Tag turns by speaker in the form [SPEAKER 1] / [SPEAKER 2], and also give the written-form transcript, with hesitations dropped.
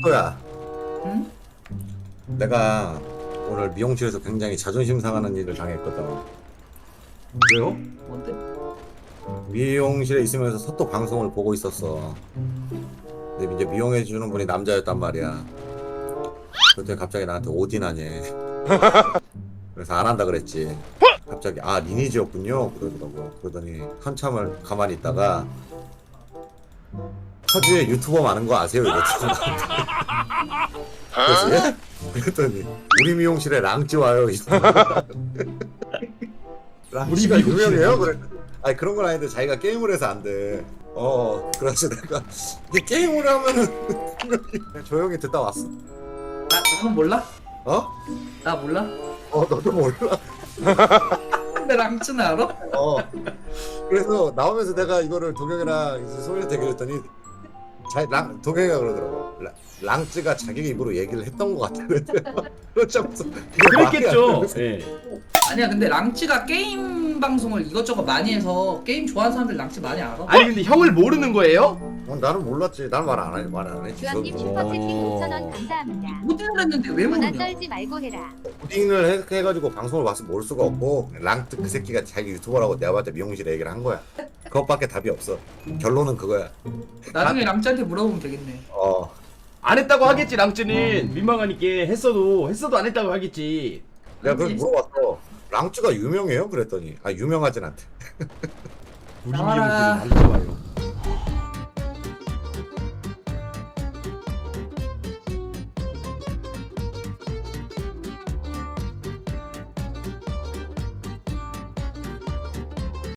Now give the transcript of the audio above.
[SPEAKER 1] 또야,
[SPEAKER 2] 응?
[SPEAKER 1] 내가 오늘 미용실에서 굉장히 자존심 상하는 일을 당했거든.
[SPEAKER 3] 왜요?
[SPEAKER 2] 뭔데?
[SPEAKER 1] 미용실에 있으면서 서또 방송을 보고 있었어. 근데 이제 미용해주는 분이 남자였단 말이야. 그때 갑자기 나한테 오디나니. 그래서 안 한다 그랬지. 갑자기 아 리니지였군요 그러더라고. 그러더니 한참을 가만히 있다가 파주에 유튜버 많은 거 아세요? 이랬지. 그래서 예? 그랬더니 우리 미용실에 랑찌 와요. 랑찌가
[SPEAKER 3] 우리 미용실에
[SPEAKER 1] 유명해요? 그래. 아니 그런 건 아닌데 자기가 게임을 해서 안 돼. 그래서 내가 이게 게임을 하면은 그냥 조용히 듣다 왔어.
[SPEAKER 2] 나는 몰라?
[SPEAKER 1] 어?
[SPEAKER 2] 나 몰라?
[SPEAKER 1] 너도 몰라.
[SPEAKER 2] 근데 랑츠는 알아?
[SPEAKER 1] 그래서 나오면서 내가 이거를 동영이랑 이제 소희한테 얘기했더니 동영이가 그러더라고. 랑쯔가 자기 입으로 얘기를 했던 것 같아. 그렇지 않고서
[SPEAKER 3] 그랬겠죠. 예.
[SPEAKER 2] 아니야 근데 랑츠가 게임 방송을 이것저것 많이 해서 게임 좋아하는 사람들 랑츠 많이 알아.
[SPEAKER 3] 아니 근데 형을 모르는 거예요?
[SPEAKER 1] 나는 몰랐지. 나는 말 안 했지.
[SPEAKER 4] 주한님
[SPEAKER 1] 저도.
[SPEAKER 4] 슈퍼채팅 5,000원 감사합니다.
[SPEAKER 2] 모델을 했는데 왜
[SPEAKER 4] 전화
[SPEAKER 2] 모르냐?
[SPEAKER 4] 떨지 말고 해라.
[SPEAKER 1] 코딩을 해가지고 방송을 봐서 모를 수가 없고 랑쯔 그 새끼가 자기 유튜버라고 내가 봤을 때 미용실에 얘기를 한 거야. 그것밖에 답이 없어. 결론은 그거야.
[SPEAKER 2] 나중에 랑츠한테 물어보면 되겠네.
[SPEAKER 3] 안 했다고 하겠지 랑쯔는 민망하니까 했어도 안 했다고 하겠지.
[SPEAKER 1] 내가 그래서 물어봤어. 랑쯔가 유명해요? 그랬더니 유명하진 않대.
[SPEAKER 3] 우리
[SPEAKER 2] 나와라.
[SPEAKER 3] 미용실은 안 좋아요.